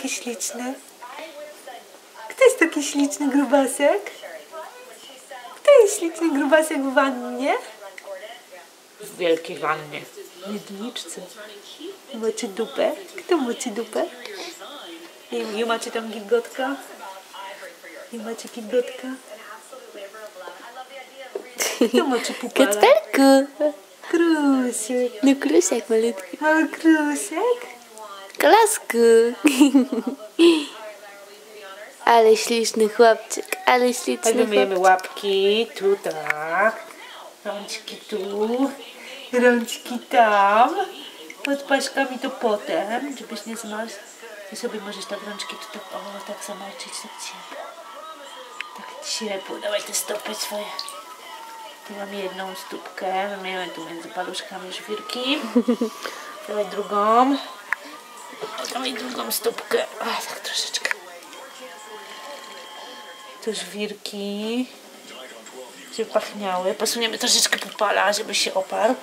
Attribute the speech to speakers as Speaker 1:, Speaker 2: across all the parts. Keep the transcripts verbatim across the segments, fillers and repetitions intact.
Speaker 1: taki śliczny? Kto jest taki śliczny grubasek? Kto jest śliczny grubasek w wannie? W wielkiej wannie. W jedniczce. Moczy dupę? Kto moczy dupę? I, i macie tam gilgotka? I macie gilgotka? Kto moczy pupala?
Speaker 2: Kacperku!
Speaker 1: Krusek.
Speaker 2: No krusek malutki.
Speaker 1: O, krusek?
Speaker 2: Klasku! Ale śliczny chłopczyk, ale śliczny
Speaker 1: Tak wymyjemy
Speaker 2: chłopczyk.
Speaker 1: łapki, tu tak, rączki tu, rączki tam, pod paszkami to potem, żebyś nie zmarzł. Ty sobie możesz tak rączki tu tak, o, tak zamoczyć, tak ciepło, tak ciepło. Dawaj te stopy swoje. Tu mam jedną stópkę, mamy tu między paluszkami żwirki. Dawaj drugą. Dawaj drugą stópkę, o, tak troszeczkę. Tu żwirki, żeby pachniały. Posuniemy troszeczkę pupala, żeby się oparł.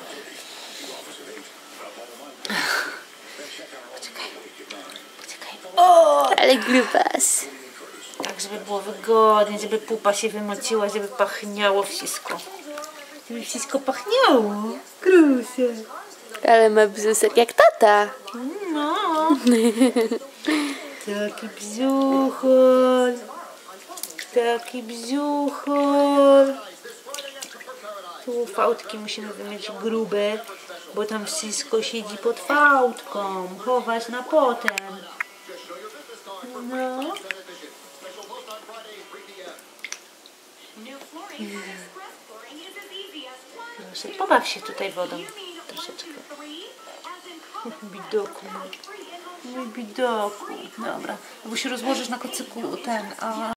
Speaker 1: Poczekaj, poczekaj. O!
Speaker 2: Ale grubas.
Speaker 1: Tak, żeby było wygodnie, żeby pupa się wymociła, żeby pachniało wszystko. Żeby wszystko pachniało. Krusek.
Speaker 2: Ale ma bzusek jak tata.
Speaker 1: No. Taki bzuchol. Taki bzuchol. Tu fałdki musimy wymyć grube, bo tam wszystko siedzi pod fałdką. Chować na potem. No. Proszę, pobaw się tutaj wodą troszeczkę. Bidoku. Mój bidoku. Dobra. Bo się rozłożysz na kocyku ten, a...